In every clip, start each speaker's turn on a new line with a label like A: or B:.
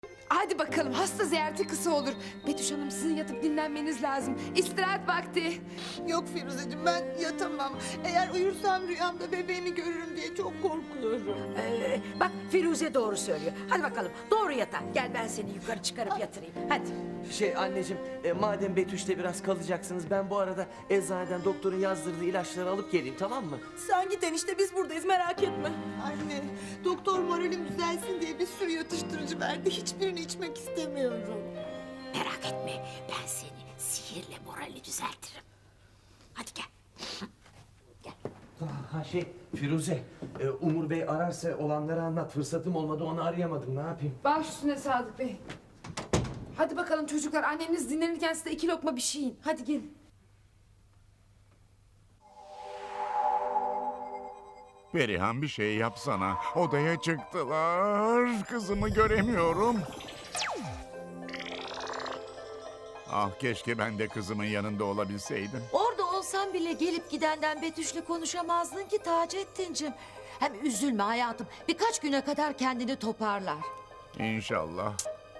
A: Hadi bakalım, hasta ziyareti kısa olur. Betüş Hanım, sizin yatıp dinlenmeniz lazım. İstirahat vakti.
B: Yok Firuzeciğim, ben yatamam. Eğer uyursam rüyamda bebeğimi görürüm diye çok korkuyorum.
C: Bak Firuze doğru söylüyor. Hadi bakalım doğru yatağa. Gel ben seni yukarı çıkarıp yatırayım. Hadi.
D: Anneciğim, madem Betüş'te biraz kalacaksınız, ben bu arada eczaneden doktorun yazdırdığı ilaçları alıp geleyim, tamam mı?
E: Sen git enişte, biz buradayız, merak etme.
B: Anne, doktor moralim düzelsin diye bir sürü yatıştırıcı verdi. Hiçbirini içmek istemiyorum.
C: Merak etme, ben seni sihirle morali düzeltirim. Hadi gel.
D: Firuze, Umur Bey ararsa olanları anlat. Fırsatım olmadı, onu arayamadım, ne yapayım?
A: Baş üstüne Sadık Bey. Hadi bakalım çocuklar, anneniz dinlenirken size 2 lokma bir şey yiyin. Hadi gelin.
F: Perihan bir şey yapsana. Odaya çıktılar. Kızımı göremiyorum. Ah keşke ben de kızımın yanında olabilseydim.
C: Orada olsan bile gelip gidenden Betüş'le konuşamazdın ki Taceddin'cim. Hem üzülme hayatım. Birkaç güne kadar kendini toparlar.
F: İnşallah.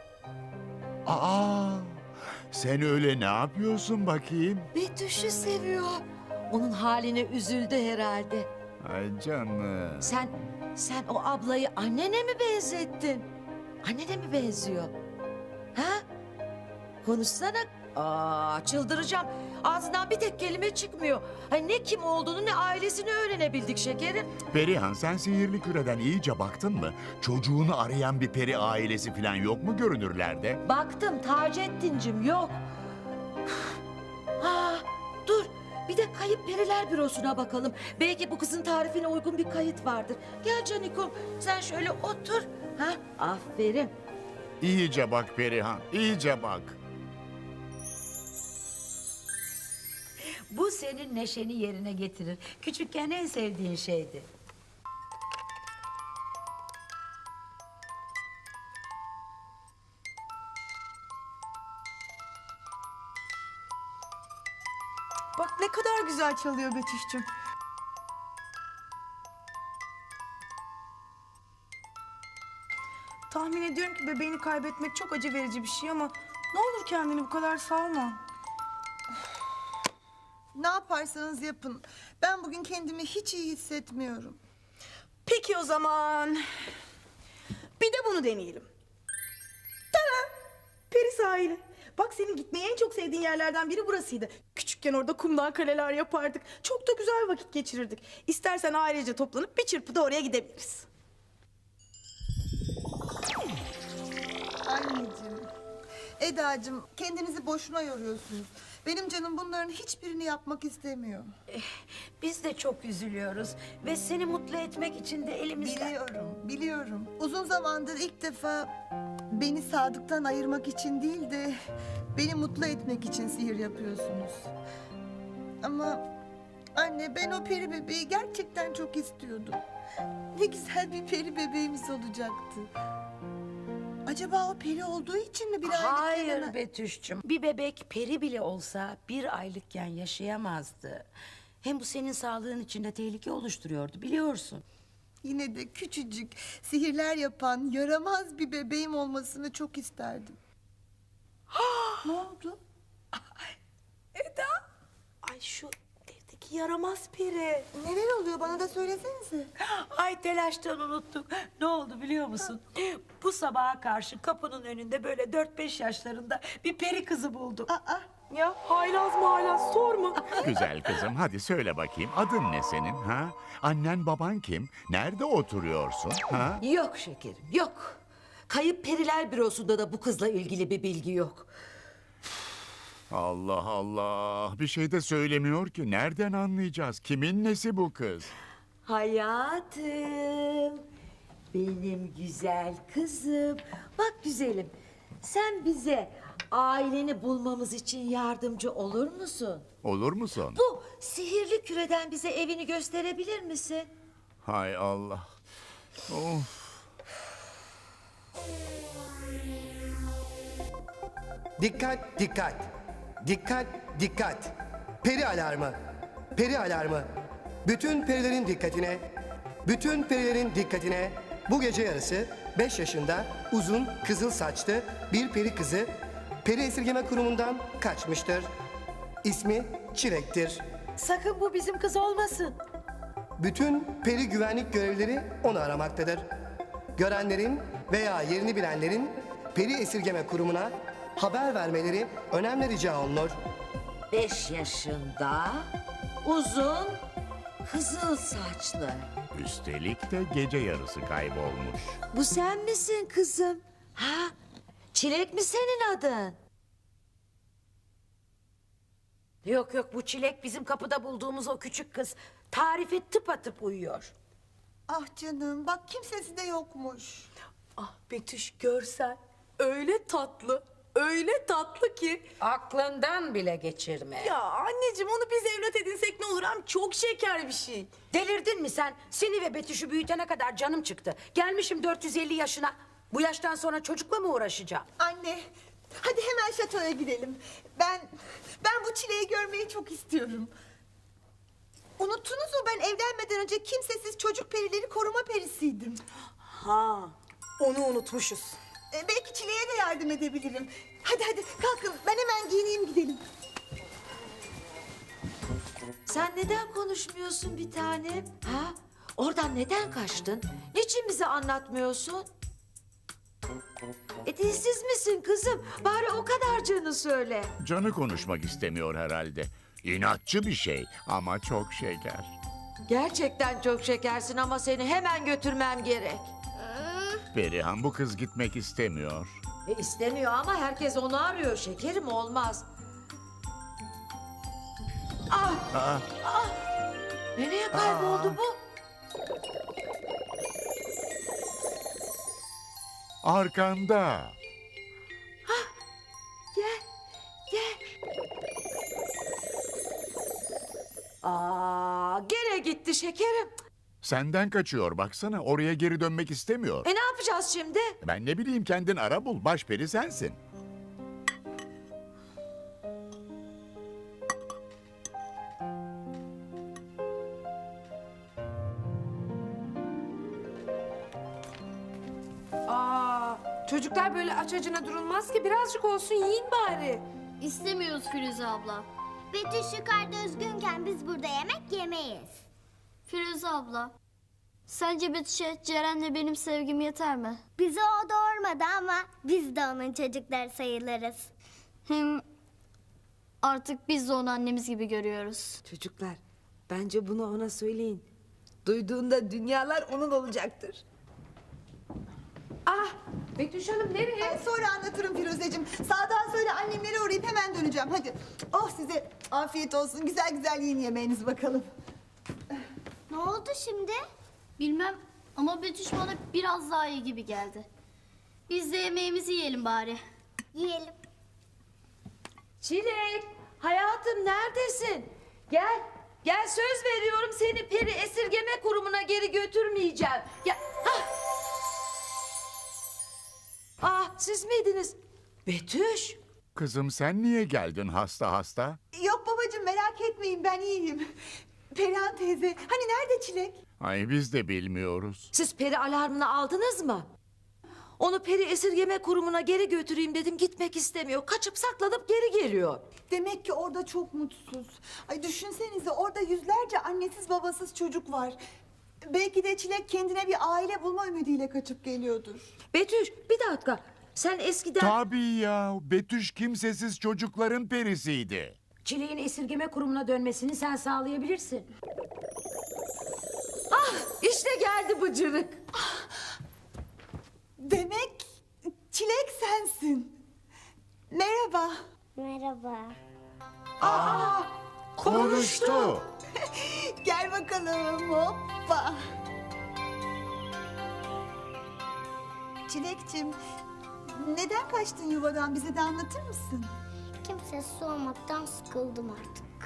F: Aa, sen öyle ne yapıyorsun bakayım?
C: Betüş'ü seviyor. Onun haline üzüldü herhalde.
F: Ay canım.
C: Sen o ablayı annene mi benzettin? Annene mi benziyor? Ha? Konuşsana. Aa, çıldıracağım. Ağzından bir tek kelime çıkmıyor. Ay, ne kim olduğunu ne ailesini öğrenebildik şekerim.
F: Perihan sen sihirli küreden iyice baktın mı? Çocuğunu arayan bir peri ailesi falan yok mu görünürlerde?
C: Baktım Taceddin'cim yok. Ha, dur. Bir de kayıp periler bürosuna bakalım. Belki bu kızın tarifine uygun bir kayıt vardır. Gel Canikom, sen şöyle otur. Ha, aferin.
F: İyice bak Perihan, iyice bak.
C: Bu senin neşeni yerine getirir. Küçükken en sevdiğin şeydi.
E: Bak ne kadar güzel çalıyor Betüş'cüm. Tahmin ediyorum ki bebeğini kaybetmek çok acı verici bir şey ama ne olur kendini bu kadar salma.
B: Ne yaparsanız yapın. Ben bugün kendimi hiç iyi hissetmiyorum.
E: Peki o zaman bir de bunu deneyelim. Tada! Peri sahili. Bak senin gitmeyi en çok sevdiğin yerlerden biri burasıydı. Küçükken orada kumdan kaleler yapardık. Çok da güzel vakit geçirirdik. İstersen ailece toplanıp bir çırpıda oraya gidebiliriz.
B: Anneciğim, Edacığım, kendinizi boşuna yoruyorsunuz. Benim canım bunların hiçbirini yapmak istemiyor.
C: Biz de çok üzülüyoruz ve seni mutlu etmek için de elimizden...
B: Biliyorum. Uzun zamandır ilk defa beni Sadık'tan ayırmak için değil de beni mutlu etmek için sihir yapıyorsunuz. Ama anne, ben o peri bebeği gerçekten çok istiyordum. Ne güzel bir peri bebeğimiz olacaktı. Acaba o peri olduğu için mi bir aylık
C: Hayır
B: yanına...
C: Betüş'cüm. Bir bebek peri bile olsa bir aylıkken yaşayamazdı. Hem bu senin sağlığın için de tehlike oluşturuyordu biliyorsun.
B: Yine de küçücük, sihirler yapan, yaramaz bir bebeğim olmasını çok isterdim. Ne oldu?
E: Eda! Ay şu evdeki yaramaz peri.
B: Neler oluyor, bana da söylesenize.
C: Ay telaştan unuttuk. Ne oldu biliyor musun? Bu sabaha karşı kapının önünde böyle 4-5 yaşlarında bir peri kızı bulduk.
E: Ya haylaz mı haylaz sorma.
F: Güzel kızım hadi söyle bakayım adın ne senin ha? Annen baban kim? Nerede oturuyorsun ha?
C: Yok şekerim yok. Kayıp periler bürosunda da bu kızla ilgili bir bilgi yok.
F: Allah Allah bir şey de söylemiyor ki nereden anlayacağız? Kimin nesi bu kız?
C: Hayatım, benim güzel kızım. Bak güzelim, sen bize aileni bulmamız için yardımcı olur musun?
F: Olur musun?
C: Bu sihirli küreden bize evini gösterebilir misin?
F: Hay Allah. Of.
G: Dikkat dikkat. Dikkat dikkat. Peri alarmı. Peri alarmı. Bütün perilerin dikkatine. Bütün perilerin dikkatine. Bu gece yarısı 5 yaşında uzun kızıl saçlı bir peri kızı peri esirgeme kurumundan kaçmıştır. İsmi Çilek'tir.
C: Sakın bu bizim kız olmasın.
G: Bütün peri güvenlik görevlileri onu aramaktadır. Görenlerin veya yerini bilenlerin peri esirgeme kurumuna haber vermeleri önemli rica olunur.
C: 5 yaşında, uzun, kızıl saçlı.
F: Üstelik de gece yarısı kaybolmuş.
C: Bu sen misin kızım? Ha? Çilek mi senin adın? Yok yok, bu Çilek bizim kapıda bulduğumuz o küçük kız. Tarife tıpatıp uyuyor.
B: Ah canım bak kimsesi de yokmuş.
E: Ah Betüş görsen öyle tatlı ki.
C: Aklından bile geçirme.
E: Ya anneciğim onu biz evlat edinsek ne olur, hem çok şeker bir şey.
C: Delirdin mi sen? Seni ve Betüş'ü büyütene kadar canım çıktı. Gelmişim 450 yaşına. Bu yaştan sonra çocukla mı uğraşacağım?
B: Anne hadi hemen şatoya gidelim. Ben bu Çileği görmeyi çok istiyorum. Unuttunuz mu ben evlenmeden önce kimsesiz çocuk perileri koruma perisiydim.
E: Ha, onu unutmuşuz.
B: Belki Çileğe de yardım edebilirim. Hadi kalkın ben hemen giyineyim gidelim.
C: Sen neden konuşmuyorsun bir tanem? Ha? Oradan neden kaçtın? Niçin bize anlatmıyorsun? Dilsiz misin kızım? Bari o kadarcığını söyle.
F: Canı konuşmak istemiyor herhalde. İnatçı bir şey ama çok şeker.
C: Gerçekten çok şekersin ama seni hemen götürmem gerek.
F: Perihan, bu kız gitmek istemiyor.
C: İstemiyor ama herkes onu arıyor. Şekerim olmaz. Ah!
F: Aa,
C: Nereye kayboldu bu?
F: arkanda.
C: Gel. Gene gitti şekerim.
F: Senden kaçıyor baksana, oraya geri dönmek istemiyor.
C: Ne yapacağız şimdi?
F: Ben ne bileyim, kendin ara bul, başperi sensin.
A: Çocuklar böyle aç acına durulmaz ki, birazcık olsun yiyin bari.
H: İstemiyoruz Firuze abla. Betüş yukarıda üzgünken biz burada yemek yemeyiz. Firuze abla, sence Betüş'e Ceren'le benim sevgim yeter mi? Bizi o doğurmadı ama biz de onun çocukları sayılırız. Hem artık biz de onu annemiz gibi görüyoruz.
A: Çocuklar, bence bunu ona söyleyin. Duyduğunda dünyalar onun olacaktır. Ah, Betüş Hanım nereye?
B: Ben sonra anlatırım Firuzeciğim. Sağdan söyle annemlere uğrayıp hemen döneceğim hadi. Oh size afiyet olsun güzel güzel yiyin yemeğinizi bakalım.
H: Ne oldu şimdi? Bilmem ama Betüş bana biraz daha iyi gibi geldi. Biz de yemeğimizi yiyelim bari. Yiyelim.
C: Çilek, hayatım neredesin? Gel söz veriyorum seni peri esirgeme kurumuna geri götürmeyeceğim. Gel. Siz miydiniz? Betüş.
F: Kızım, sen niye geldin hasta?
B: Yok babacığım merak etmeyin ben iyiyim. Perihan teyze hani nerede Çilek?
F: Ay, biz de bilmiyoruz.
C: Siz peri alarmını aldınız mı? Onu peri esirgeme kurumuna geri götüreyim dedim, gitmek istemiyor. Kaçıp saklanıp geri geliyor.
B: Demek ki orada çok mutsuz. Ay düşünsenize orada yüzlerce annesiz babasız çocuk var. Belki de Çilek kendine bir aile bulma ümidiyle kaçıp geliyordur.
C: Betüş bir dakika. Sen eskiden
F: Tabii ya, Betüş kimsesiz çocukların perisiydi.
C: Çilek'in esirgeme kurumuna dönmesini sen sağlayabilirsin. İşte geldi bıcırık.
B: Demek Çilek sensin. Merhaba.
H: Merhaba.
F: Konuştu.
B: Gel bakalım hoppa. Çilekçim neden kaçtın yuvadan bize de anlatır mısın?
H: Kimsesiz olmaktan sıkıldım artık.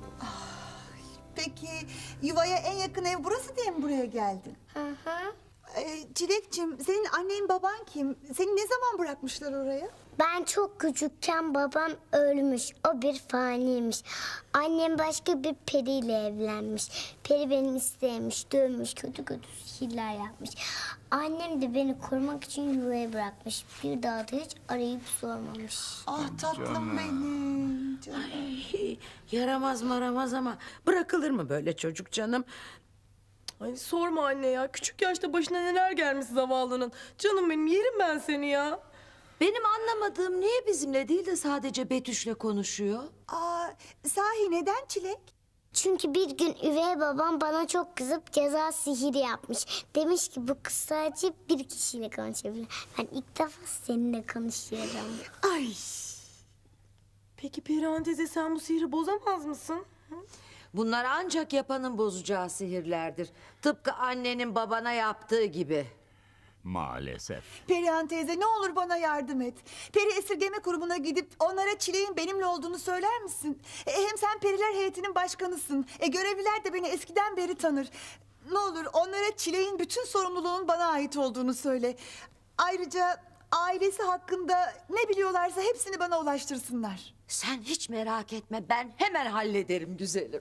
B: Peki yuvaya en yakın ev burası diye mi buraya geldin?
H: Hı hı.
B: Çilekçim, senin annen baban kim? Seni ne zaman bırakmışlar oraya?
H: Ben çok küçükken babam ölmüş. O bir faniymiş. Annem başka bir periyle evlenmiş. Peri beni istemiş, dövmüş, kötü kötü sihirler yapmış. Annem de beni korumak için yuvaya bırakmış. Bir daha da hiç arayıp sormamış.
B: Ah tatlım benim. Canım.
C: Yaramaz maramaz ama bırakılır mı böyle çocuk canım?
E: Ay sorma anne ya. Küçük yaşta başına neler gelmiş zavallının. Canım benim, yerim ben seni ya.
C: Benim anlamadığım niye bizimle değil de sadece Betüş'le konuşuyor?
B: Sahi neden Çilek?
H: Çünkü bir gün üvey babam bana çok kızıp ceza sihiri yapmış. Demiş ki bu kız sadece bir kişiyle konuşabilir. Ben ilk defa seninle konuşuyorum.
E: Ay. Peki Perihan teyze, sen bu sihri bozamaz mısın?
C: Bunlar ancak yapanın bozacağı sihirlerdir. Tıpkı annenin babana yaptığı gibi.
F: Maalesef.
B: Perihan teyze ne olur bana yardım et. Peri esirgeme kurumuna gidip onlara Çilek'in benimle olduğunu söyler misin? Hem sen periler heyetinin başkanısın. Görevliler de beni eskiden beri tanır. Ne olur onlara Çilek'in bütün sorumluluğun bana ait olduğunu söyle. Ayrıca ailesi hakkında ne biliyorlarsa hepsini bana ulaştırsınlar.
C: Sen hiç merak etme, ben hemen hallederim güzelim.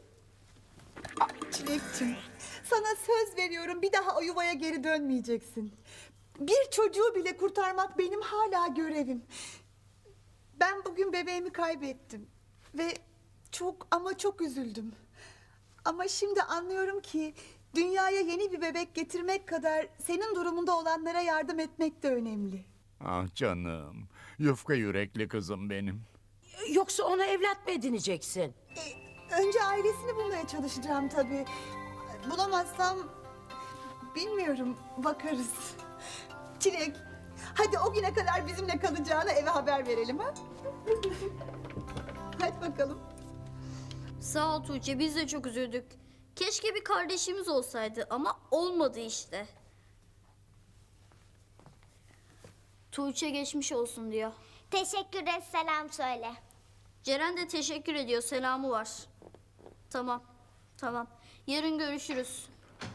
B: Çilekçim, sana söz veriyorum, bir daha o yuvaya geri dönmeyeceksin. Bir çocuğu bile kurtarmak benim hala görevim. Ben bugün bebeğimi kaybettim ve çok ama çok üzüldüm. Ama şimdi anlıyorum ki dünyaya yeni bir bebek getirmek kadar senin durumunda olanlara yardım etmek de önemli.
F: Ah canım. Yufka yürekli kızım benim.
C: Yoksa onu evlat mı edineceksin?
B: Önce ailesini bulmaya çalışacağım tabii. Bulamazsam bilmiyorum, bakarız. Çilek, hadi o güne kadar bizimle kalacağına eve haber verelim ha. Hadi bakalım.
H: Sağ ol Tuğçe, biz de çok üzüldük. Keşke bir kardeşimiz olsaydı ama olmadı işte. Tuğçe geçmiş olsun diyor.
I: Teşekkür et, selam söyle.
H: Ceren de teşekkür ediyor, selamı var. Tamam, tamam. Yarın görüşürüz.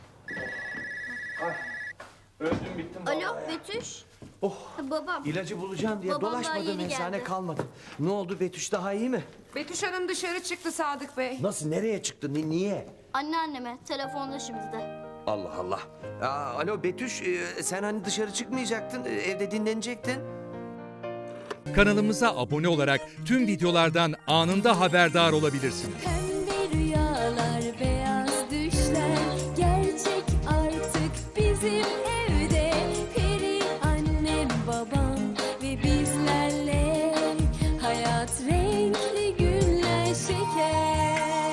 D: Öldüm bittim vallahi
H: Alo
D: ya.
H: Betüş.
D: Oh.
H: Babam.
D: İlacı bulacağım diye
H: Babam daha
D: dolaşmadım,
H: yeni
D: eczane
H: geldi.
D: kalmadı. Ne oldu, Betüş daha iyi mi?
A: Betüş Hanım dışarı çıktı Sadık Bey.
D: Nasıl, nereye çıktı, niye?
H: Anneanneme telefonda şimdi de.
D: Allah Allah. Alo Betüş, sen hani dışarı çıkmayacaktın, evde dinlenecektin.
J: Kanalımıza abone olarak tüm videolardan anında haberdar olabilirsiniz.